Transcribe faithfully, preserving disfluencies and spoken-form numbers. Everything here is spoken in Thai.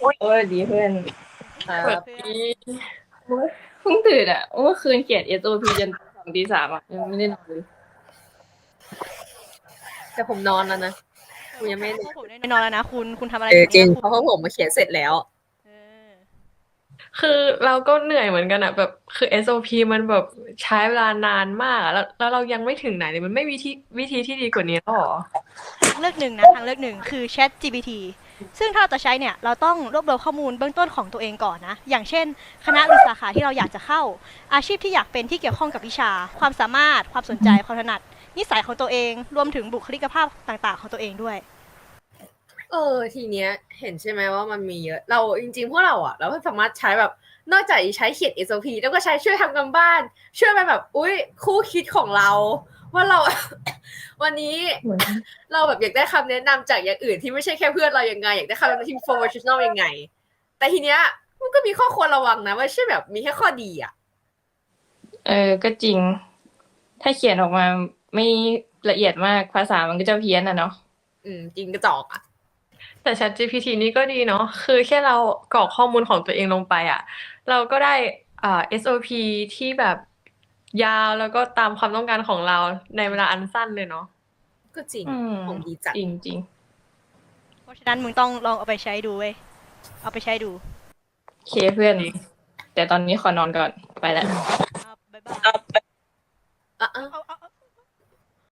โอ้ยดีเพื่อนครัสวัสบดีโอ้ยเพิ่งตื่นอ่ะเมื่อคืนเขียน เอส โอ พี จนสองตีสามอ่ะยังไม่ได้นอนเลยแต่ผมนอนแล้วนะเออกูยังไม่พวกผมได้นอนแล้วนะคุณคุณทำอะไรเอออยู่ จริเนี่งยเพคุณราะว่าผมมาเขียนเสร็จแล้วเออคือเราก็เหนื่อยเหมือนกันอะแบบคือ เอส โอ พี มันแบบใช้เวลานานมากอะแล้วแล้วเรายังไม่ถึงไหนเลยมันไม่มีที่วิธีที่ดีกว่านี้แล้วเหรอทางเลือกหนึ่งนะทางเลือกหนึ่งคือ Chat จี พี ที ซึ่งถ้าเราจะใช้เนี่ยเราต้องรวบรวมข้อมูลเบื้องต้นของตัวเองก่อนนะอย่างเช่นคณะหรือสาขาที่เราอยากจะเข้าอาชีพที่อยากเป็นที่เกี่ยวข้องกับวิชาความสามารถความสนใจความถนัดนิสัยของตัวเองรวมถึงบุคลิกภาพต่างๆของตัวเองด้วยเออ ทีเนี้ยเห็นใช่ไหมว่ามันมีเยอะ เราจริงๆพวกเราอะเราก็สามารถใช้แบบนอกจากใช้เขียน เอส โอ พี แล้วก็ใช้ช่วยทำกันบ้าน ช่วยเป็นแบบอุ้ยคู่คิดของเรา ว่าเรา วันนี้ เราแบบอยากได้คำแนะนำจากอย่างอื่นที่ไม่ใช่แค่เพื่อนเรายังไงอยากได้คำแนะนำที่ professional ยังไง แต่ทีเนี้ยมันก็มีข้อควรระวังนะไม่ใช่แบบมีแค่ข้อดีอะเออก็จริง ถ้าเขียนออกมาไม่ละเอียดมากภาษามันก็จะเพี้ยนอ่ะเนาะอืมจริงกระจอกอะแต่ Chat จี พี ที นี่ก็ดีเนาะคือแค่เรากรอกข้อมูลของตัวเองลงไปอะเราก็ได้อ่า เอส โอ พี ที่แบบยาวแล้วก็ตามความต้องการของเราในเวลาอันสั้นเลยเนาะก็จริงอืมของดีจัดจริงจริงเพราะฉะนั้นมึงต้องลองเอาไปใช้ดูเว้ยเอาไปใช้ดูโอเคเพื่อน แต่ตอนนี้ขอนอนก่อนไปแล้ว